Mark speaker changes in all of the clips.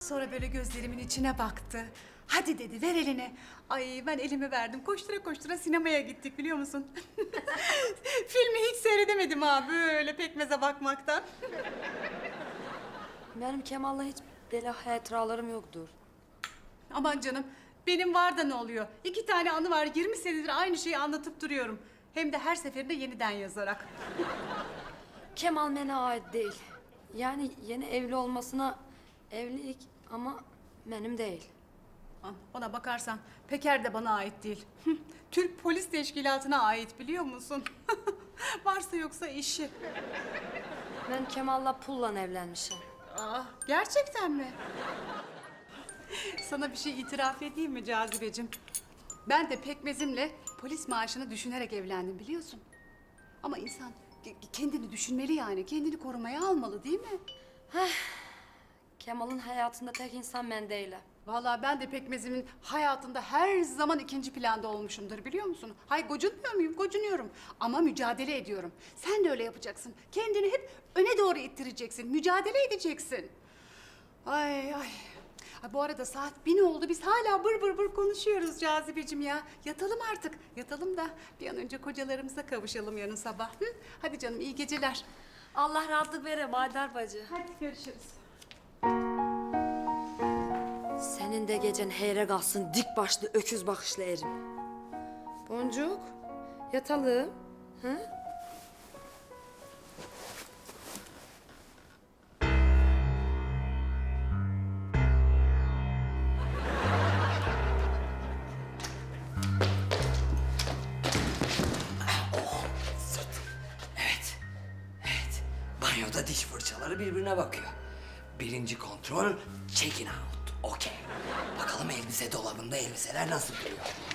Speaker 1: Sonra böyle gözlerimin içine baktı. Hadi dedi, ver elini. Ay ben elimi verdim. Koştura koştura sinemaya gittik biliyor musun? Filmi hiç seyredemedim ha böyle pekmeze bakmaktan.
Speaker 2: Benim Kemal'la hiç böyle hatıralarım yoktur.
Speaker 1: Aman canım, benim var da ne oluyor? 2 tane anı var, 20 senedir aynı şeyi anlatıp duruyorum. Hem de her seferinde yeniden yazarak.
Speaker 2: Kemal bana ait değil. Yani yeni evli olmasına evlilik ama benim değil.
Speaker 1: Ona bakarsan Peker de bana ait değil. Türk Polis Teşkilatı'na ait biliyor musun? Varsa yoksa işi.
Speaker 2: Ben Kemal'la pulla evlenmişim.
Speaker 1: Gerçekten mi? Sana bir şey itiraf edeyim mi Cazibeciğim? Ben de pekmezimle polis maaşını düşünerek evlendim biliyorsun. Ama insan kendini düşünmeli yani. Kendini korumaya almalı değil mi?
Speaker 2: Kemal'ın hayatında tek insan ben değilim.
Speaker 1: Vallahi ben de pekmezimin hayatında her zaman ikinci planda olmuşumdur biliyor musun? Hay gocunmuyor muyum? Gocunuyorum. Ama mücadele ediyorum. Sen de öyle yapacaksın. Kendini hep öne doğru ittireceksin. Mücadele edeceksin. Ay ay. Ay, bu arada saat 1 oldu. Biz hala bır bır bır konuşuyoruz Cazibeciğim ya. Yatalım artık. Yatalım da bir an önce kocalarımıza kavuşalım yarın sabah. Hı? Hadi canım iyi geceler.
Speaker 2: Allah rahatlık vere Madar bacı.
Speaker 1: Hadi görüşürüz.
Speaker 2: Senin de gecen heyre kalsın dik başlı öküz bakışlı erim. Boncuk, yatalım. Hı?
Speaker 3: Evet. Evet. Banyoda diş fırçaları birbirine bakıyor. Birinci kontrol check in out. Okey. Bakalım elbise dolabında elbiseler nasıl duruyor.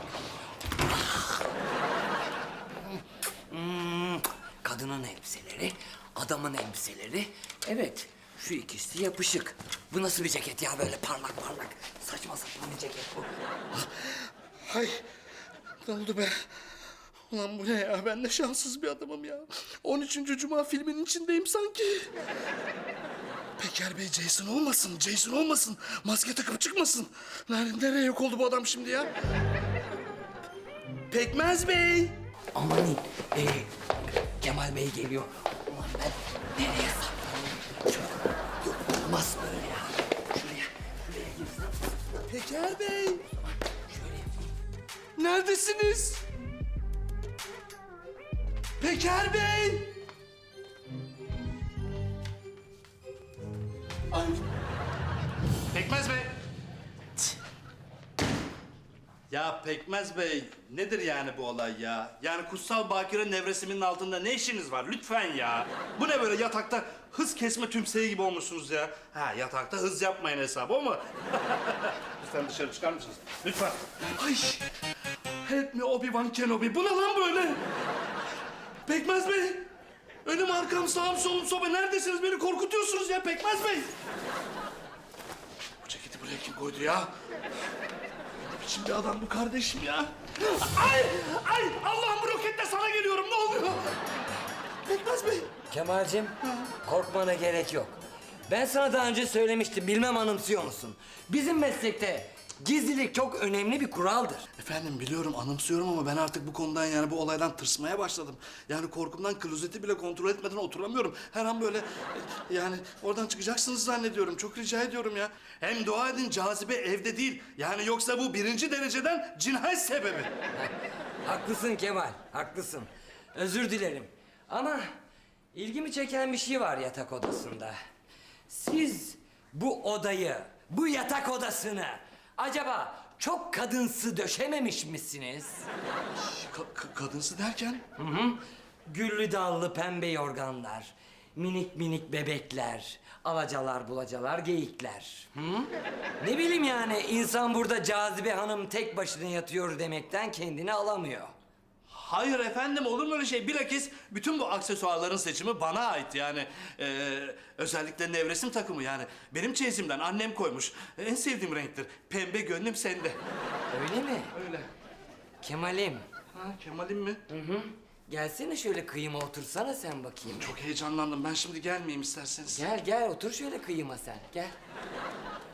Speaker 3: Kadının elbiseleri, adamın elbiseleri. Evet, şu ikisi yapışık. Bu nasıl bir ceket ya böyle parlak parlak? Saçma sapan bir ceket bu.
Speaker 4: Ay ne oldu be? Ulan bu ne ya? Ben de şanssız bir adamım ya. 13. Cuma filminin içindeyim sanki. Peker Bey Jason olmasın, Jason olmasın. Maske takıp çıkmasın. Nereye yok oldu bu adam şimdi ya? Pekmez Bey.
Speaker 3: Amanın, Kemal Bey geliyor. Ulan ben nereye saklanayım? Şöyle, yok olmaz böyle ya. Şuraya girsem.
Speaker 4: Peker Bey.
Speaker 3: Şöyle yapayım.
Speaker 4: Neredesiniz? Peker Bey. Ay.
Speaker 5: Pekmez Bey. Ya Pekmez Bey, nedir yani bu olay ya? Yani kutsal bakire nevresimin altında ne işiniz var? Lütfen ya. Bu ne böyle yatakta hız kesme tümseyi gibi olmuşsunuz ya. Ha yatakta hız yapmayın hesabı o mu? Lütfen dışarı çıkar mısınız? Lütfen.
Speaker 4: Ay. Help me Obi-Wan Kenobi. Bu ne lan böyle? Pekmez Bey. Önüm arkam sağım solum soba. Neredesiniz? Beni korkutuyorsunuz ya Pekmez Bey. Bu ceketi buraya kim koydu ya? Ne biçim bir adam bu kardeşim ya? Ay! Ay! Allah'ım bu roketle sana geliyorum. Ne oluyor? Pekmez Bey.
Speaker 3: Kemal'cim, korkmana gerek yok. Ben sana daha önce söylemiştim, bilmem anımsıyor musun? Bizim meslekte gizlilik çok önemli bir kuraldır.
Speaker 4: Efendim biliyorum anımsıyorum ama ben artık bu konudan yani bu olaydan tırsmaya başladım. Yani korkumdan klozeti bile kontrol etmeden oturamıyorum. Her an böyle yani oradan çıkacaksınız zannediyorum. Çok rica ediyorum ya.
Speaker 5: Hem dua edin Cazibe evde değil. Yani yoksa bu 1. dereceden cinayet sebebi.
Speaker 3: Haklısın Kemal, haklısın. Özür dilerim. Ama ilgimi çeken bir şey var yatak odasında. Siz bu odayı, bu yatak odasını acaba çok kadınsı döşememiş misiniz?
Speaker 4: Kadınsı derken?
Speaker 3: Güllü dallı pembe yorganlar, minik minik bebekler, alacalar bulacalar geyikler. Hı? Ne bileyim yani insan burada Cazibe Hanım tek başına yatıyor demekten kendini alamıyor.
Speaker 5: Hayır efendim olur mu öyle şey? Bilakis bütün bu aksesuarların seçimi bana ait yani. Özellikle nevresim takımı yani. Benim çeyizimden annem koymuş. En sevdiğim renktir. Pembe gönlüm sende.
Speaker 3: Öyle mi?
Speaker 5: Öyle.
Speaker 3: Kemal'im.
Speaker 5: Ha Kemal'im mi?
Speaker 3: Gelsene şöyle kıyıma otursana sen bakayım.
Speaker 4: Çok heyecanlandım. Ben şimdi gelmeyeyim isterseniz.
Speaker 3: Gel gel otur şöyle kıyıma sen gel.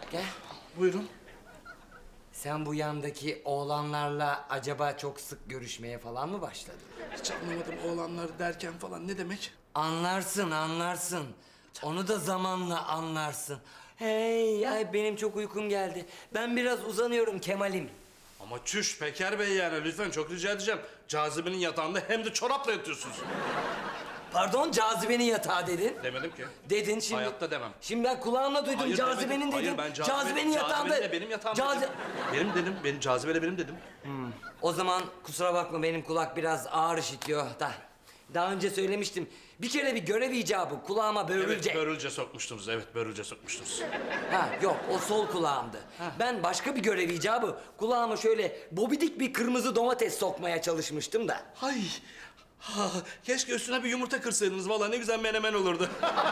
Speaker 3: Gel.
Speaker 4: Buyurun.
Speaker 3: Sen bu yandaki oğlanlarla acaba çok sık görüşmeye falan mı başladın?
Speaker 4: Hiç anlamadım oğlanlar derken falan ne demek?
Speaker 3: Anlarsın, anlarsın. Onu da zamanla anlarsın. Hey, ay benim çok uykum geldi. Ben biraz uzanıyorum Kemal'im.
Speaker 5: Ama çüş Peker Bey yani lütfen çok rica edeceğim. Cazibenin yatağında hem de çorapla yatıyorsunuz.
Speaker 3: Pardon, Cazibe'nin yatağı dedin.
Speaker 5: Demedim ki.
Speaker 3: Dedin şimdi.
Speaker 5: Hayatta demem.
Speaker 3: Şimdi ben kulağımla duydum.
Speaker 5: Hayır,
Speaker 3: Cazibe'nin
Speaker 5: demedim.
Speaker 3: dedin.
Speaker 5: Hayır ben
Speaker 3: Cazibe'nin yatağında.
Speaker 5: Cazibe'nin de benim yatağım
Speaker 3: Cazi-
Speaker 5: dedim. Benim dedim. Benim cazibeyle benim dedim.
Speaker 3: O zaman kusura bakma benim kulak biraz ağır işitiyor da. Daha önce söylemiştim. Bir kere bir görev icabı kulağıma börülce.
Speaker 5: Evet börülce sokmuştunuz. Evet börülce sokmuştunuz.
Speaker 3: Ha yok o sol kulağımdı. Ben başka bir görev icabı kulağıma şöyle bobidik bir kırmızı domates sokmaya çalışmıştım da.
Speaker 5: Hay. Ha, keşke üstüne bir yumurta kırsaydınız. Vallahi ne güzel menemen olurdu.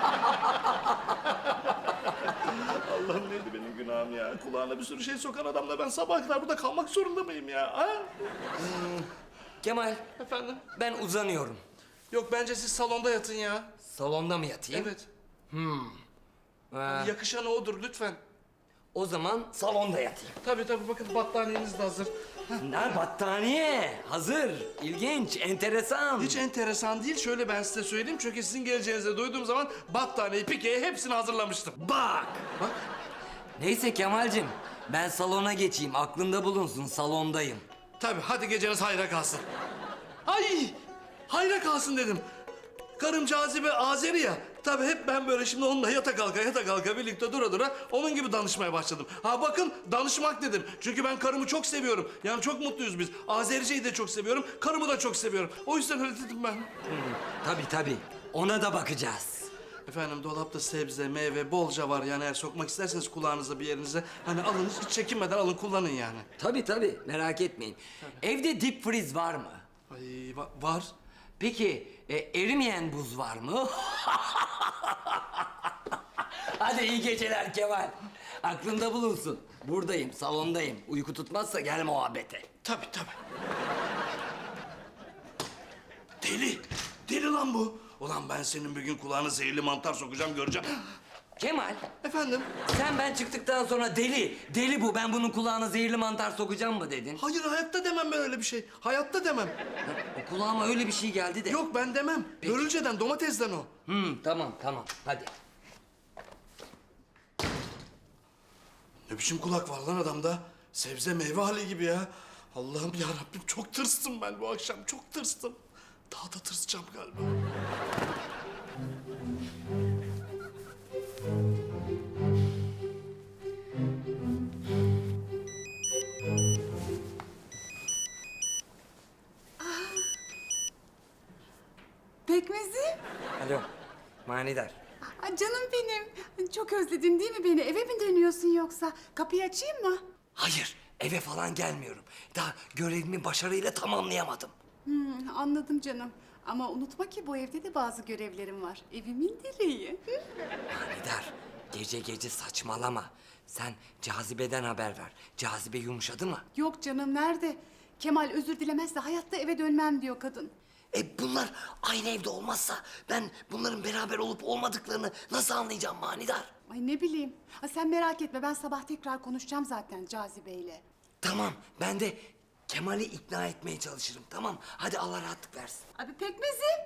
Speaker 5: Allah'ım neydi benim günahım ya? Kulağına bir sürü şey sokan adamla ben sabaha kadar burada kalmak zorunda mıyım ya? Ha?
Speaker 3: Kemal
Speaker 5: Efendim?
Speaker 3: ben uzanıyorum.
Speaker 5: Yok bence siz salonda yatın ya.
Speaker 3: Salonda mı yatayım?
Speaker 5: Evet.
Speaker 3: Ha,
Speaker 5: Yakışanı odur lütfen.
Speaker 3: o zaman salonda yatayım.
Speaker 5: Tabii tabii bakın battaniyeniz de hazır.
Speaker 3: Ne battaniye hazır. İlginç, enteresan.
Speaker 5: Hiç enteresan değil. Şöyle ben size söyleyeyim. Çünkü sizin geleceğinizi duyduğum zaman battaniyeyi, pikeyi hepsini hazırlamıştım.
Speaker 3: Bak.
Speaker 5: Bak.
Speaker 3: Neyse Kemal'cim ben salona geçeyim. Aklında bulunsun salondayım.
Speaker 5: Tabii hadi geceniz hayra kalsın. Ay! Hayra kalsın dedim. Karım Cazibe Azeri ya. Tabii hep ben böyle şimdi onunla yata kalka birlikte dura onun gibi danışmaya başladım. Ha bakın danışmak dedim. Çünkü ben karımı çok seviyorum. Yani çok mutluyuz biz. Azerice'yi de çok seviyorum. Karımı da çok seviyorum. O yüzden öyle dedim ben.
Speaker 3: Tabii. Ona da bakacağız.
Speaker 5: Efendim dolapta sebze, meyve bolca var. Yani eğer sokmak isterseniz kulağınıza bir yerinize. Hani alın hiç çekinmeden alın kullanın yani.
Speaker 3: Tabii merak etmeyin. Evde dip freeze var mı?
Speaker 5: Ay var.
Speaker 3: Peki erimeyen buz var mı? Hadi iyi geceler Kemal. Aklında bulunsun. Buradayım, salondayım. Uyku tutmazsa gel muhabbete.
Speaker 5: Tabii. Deli lan bu. Ulan ben senin bir gün kulağına zehirli mantar sokacağım göreceğim.
Speaker 3: Kemal,
Speaker 5: Efendim?
Speaker 3: sen ben çıktıktan sonra deli bu. Ben bunun kulağına zehirli mantar sokacağım mı dedin?
Speaker 5: Hayır hayatta demem ben öyle bir şey. Hayatta demem.
Speaker 3: O kulağıma öyle bir şey geldi de.
Speaker 5: Yok ben demem. Börülceden, domatesden o.
Speaker 3: Tamam. Hadi.
Speaker 5: Ne biçim kulak var lan adamda? Sebze meyve hali gibi ya. Allah'ım ya Rabbim çok tırstım ben bu akşam. Çok tırstım. Daha da tırsacağım galiba.
Speaker 1: Pekmezim.
Speaker 3: Alo, manidar.
Speaker 1: Aa, canım benim. Çok özledin değil mi beni? Eve mi dönüyorsun yoksa? Kapıyı açayım mı?
Speaker 3: Hayır, eve falan gelmiyorum. Daha görevimi başarıyla tamamlayamadım.
Speaker 1: Anladım canım. Ama unutma ki bu evde de bazı görevlerim var. Evimin direği. Hı?
Speaker 3: Manidar, gece saçmalama. Sen Cazibe'den haber ver. Cazibe yumuşadı mı?
Speaker 1: Yok canım nerede? Kemal özür dilemezse hayatta eve dönmem diyor kadın.
Speaker 3: Bunlar aynı evde olmazsa ben bunların beraber olup olmadıklarını nasıl anlayacağım manidar?
Speaker 1: Ay ne bileyim. Ha, sen merak etme ben sabah tekrar konuşacağım zaten Cazibe'yle.
Speaker 3: Tamam, ben de Kemal'i ikna etmeye çalışırım. Tamam, hadi Allah rahatlık versin.
Speaker 1: Abi pekmezim.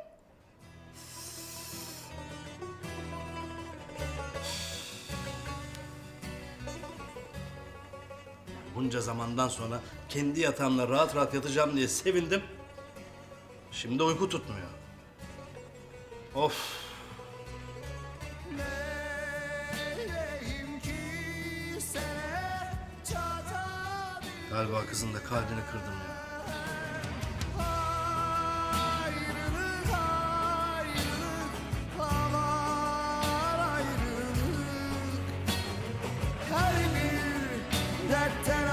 Speaker 5: Bunca zamandan sonra kendi yatağımda rahat rahat yatacağım diye sevindim. Şimdi uyku tutmuyor. Of. Galiba kızın da kalbini kırdım ya.
Speaker 6: Ayrılık, avar ayrılık. Her bir dertten